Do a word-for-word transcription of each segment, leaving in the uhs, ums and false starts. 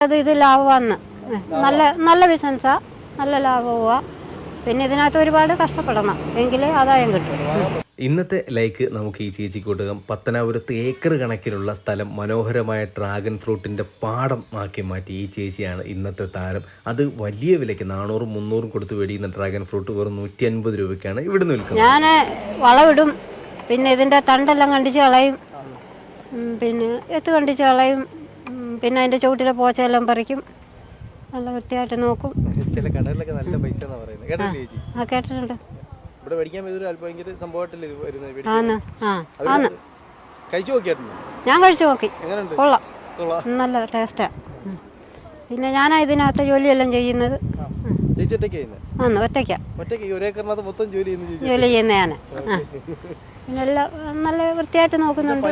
അത് ഇത് ലാഭമാണ്. നല്ല നല്ല ബിസിനസ്സാണ്, നല്ല ലാഭവുമാണ്. പിന്നെ ഇതിനകത്ത് ഒരുപാട് കഷ്ടപ്പെടണം എങ്കിലേ ആദായം കിട്ടും. ഇന്നത്തെ ലൈക്ക് നമുക്ക് ഈ ചേച്ചിക്ക് കൊടുക്കാം. പത്തനാപുരത്ത് ഏക്കർ കണക്കിലുള്ള സ്ഥലം മനോഹരമായ ഡ്രാഗൺ ഫ്രൂട്ടിൻ്റെ പാടം ആക്കി മാറ്റി ഈ ചേച്ചിയാണ് ഇന്നത്തെ താരം. അത് വലിയ വിലയ്ക്ക് നാനൂറും മുന്നൂറും കൊടുത്ത് മേടിക്കുന്ന ഡ്രാഗൺ ഫ്രൂട്ട് വെറും നൂറ്റി അൻപത് രൂപയ്ക്കാണ് ഇവിടുന്ന് വിൽക്കുന്നത്. ഞാൻ വളമിടും, പിന്നെ ഇതിൻ്റെ തണ്ടെല്ലാം കണ്ടിച്ച് കളയും, പിന്നെ എത്ത് കണ്ടിച്ച് കളയും, പിന്നെ അതിൻ്റെ ചുവട്ടിലെ പോച്ചയെല്ലാം പറിക്കും, നല്ല വൃത്തിയായിട്ട് നോക്കും. ചില കടകളിലൊക്കെ നല്ല പൈസ പറയുന്നത് ആ കേട്ടിട്ടുണ്ട്. ഇവിടെ മേടിക്കാൻ ഭയങ്കര സംഭവമായിട്ടല്ലേ വരുന്നത്? ആന്ന് ആ ആന്ന് കഴിച്ചു നോക്കിയായിരുന്നു? ഞാൻ കഴിച്ചു നോക്കി, കൊള്ളാം, നല്ല ടേസ്റ്റാണ്. പിന്നെ ഞാനാ ഇതിനകത്ത് ജോലിയെല്ലാം ചെയ്യുന്നത്. ആന്ന് ഒറ്റയ്ക്കാ ജോലി ചെയ്യുന്ന ഞാൻ. പിന്നെ എല്ലാം നല്ല വൃത്തിയായിട്ട് നോക്കുന്നുണ്ട്.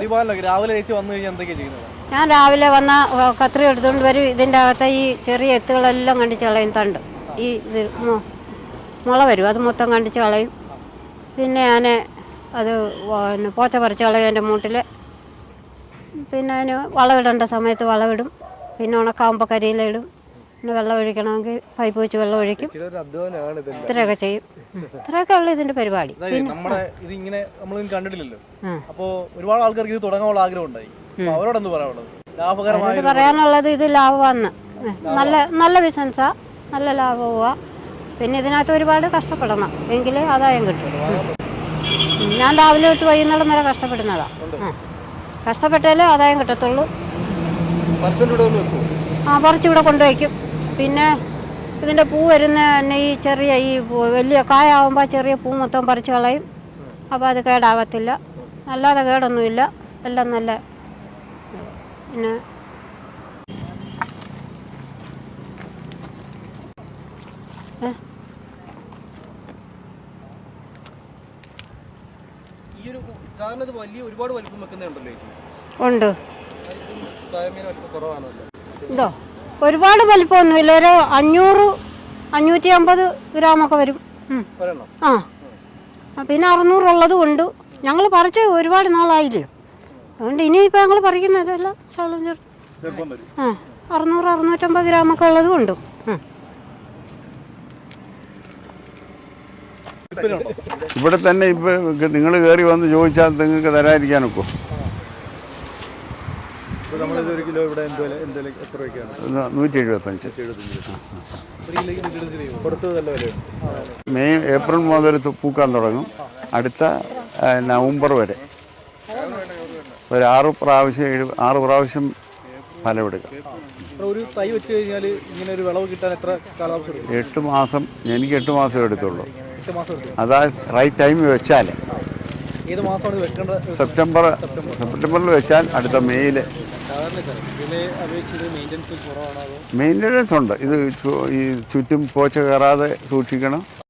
ഞാൻ രാവിലെ വന്ന കത്രി എടുത്തുകൊണ്ട് വരും. ഇതിൻ്റെ അകത്തെ ഈ ചെറിയ എത്തുകളെല്ലാം കണ്ടിച്ച് കളയും. തണ്ട് ഈ ഇത് മുള വരും, അത് മൊത്തം കണ്ടിച്ച് കളയും. പിന്നെ ഞാൻ അത് പിന്നെ പോച്ച പറിച്ച് കളയും എൻ്റെ മൂട്ടിൽ. പിന്നെ അതിന് വളമിടേണ്ട സമയത്ത് വളമിടും. പിന്നെ ഉണക്കാവുമ്പോൾ കരിയിലിടും. പിന്നെ വെള്ളം ഒഴിക്കണമെങ്കിൽ പൈപ്പ് വെച്ച് വെള്ളം ഒഴിക്കും. ഇത്രയൊക്കെ ചെയ്യും. ഇത്രയൊക്കെ ഉള്ളു ഇതിന്റെ പരിപാടി. ഇതിങ്ങനെ നമ്മളൊന്നും കണ്ടിട്ടില്ലല്ലോ. അപ്പോ ഒരുപാട് ആൾക്കാർക്ക് ഇത് തുടങ്ങാനുള്ള ആഗ്രഹം ഉണ്ടായി. അവരോടൊന്ന് പറയാനുള്ളത്? ലാഭകരമായി പറയാനുള്ളത് ഇത് ലാഭമാണ്, നല്ല നല്ല ബിസിനസ്സാ, നല്ല ലാഭവുമാണ്. പിന്നെ ഇതിനകത്ത് ഒരുപാട് കഷ്ടപ്പെടണം എങ്കിലേ ആദായം കിട്ടും. ഞാൻ രാവിലെ തൊട്ട് വൈകുന്നേരം വരെ കഷ്ടപ്പെടുന്നതാ. കഷ്ടപ്പെട്ടാലേ ആദായം കിട്ടത്തുള്ളൂ. ആ പറിച്ചിവിടെ കൊണ്ടുവയ്ക്കും. പിന്നെ ഇതിൻ്റെ പൂ വരുന്ന തന്നെ ഈ ചെറിയ ഈ വലിയ കായാവുമ്പോൾ ചെറിയ പൂ മൊത്തം പറിച്ച് കളയും. അപ്പോൾ അത് കേടാവത്തില്ല, അല്ലാതെ കേടൊന്നുമില്ല, എല്ലാം നല്ല. പിന്നെ ഉണ്ട്. ഇതോ ഒരുപാട് വലിപ്പമൊന്നുമില്ല, ഒരു അഞ്ഞൂറ് അഞ്ഞൂറ്റി അമ്പത് ഗ്രാമൊക്കെ വരും. ആ പിന്നെ അറുന്നൂറുള്ളതും ഉണ്ട്. ഞങ്ങൾ പറിച്ച് ഒരുപാട് നാളായില്ലേ, അതുകൊണ്ട് ഇനിയിപ്പോൾ ഞങ്ങൾ പറിക്കുന്നതല്ല ശാലം ചേർത്ത്. ആ അറുന്നൂറ് അറുന്നൂറ്റമ്പത് ഗ്രാമൊക്കെ ഉള്ളതും ഉണ്ട്. ഇവിടെ തന്നെ ഇപ്പൊ നിങ്ങൾ കയറി വന്ന് ചോദിച്ചാൽ നിങ്ങൾക്ക് തരാതിരിക്കാനൊക്കെ. നൂറ്റി എഴുപത്തഞ്ച്. മെയ് ഏപ്രിൽ മുതൽ പൂക്കാൻ തുടങ്ങും, അടുത്ത നവംബർ വരെ. ഒരു ആറ് പ്രാവശ്യം ഏഴ് ആറ് പ്രാവശ്യം ഫലമെടുക്കാം. ഒരു തൈ വെച്ച് കഴിഞ്ഞാൽ ഇങ്ങനെ ഒരു വിളവ് കിട്ടാൻ എത്ര കാലാവസ്ഥ? എട്ട് മാസം. എനിക്ക് എട്ട് മാസം എടുത്തുള്ളൂ. അതാ റൈറ്റ് ടൈം വെച്ചാൽ സെപ്റ്റംബർ സെപ്റ്റംബറിൽ വെച്ചാൽ അടുത്ത മെയ്യിൽ. മെയിൻ്റനൻസ് ഉണ്ട്. ഇത് ഈ ചുറ്റും പോച്ച കയറാതെ സൂക്ഷിക്കണം.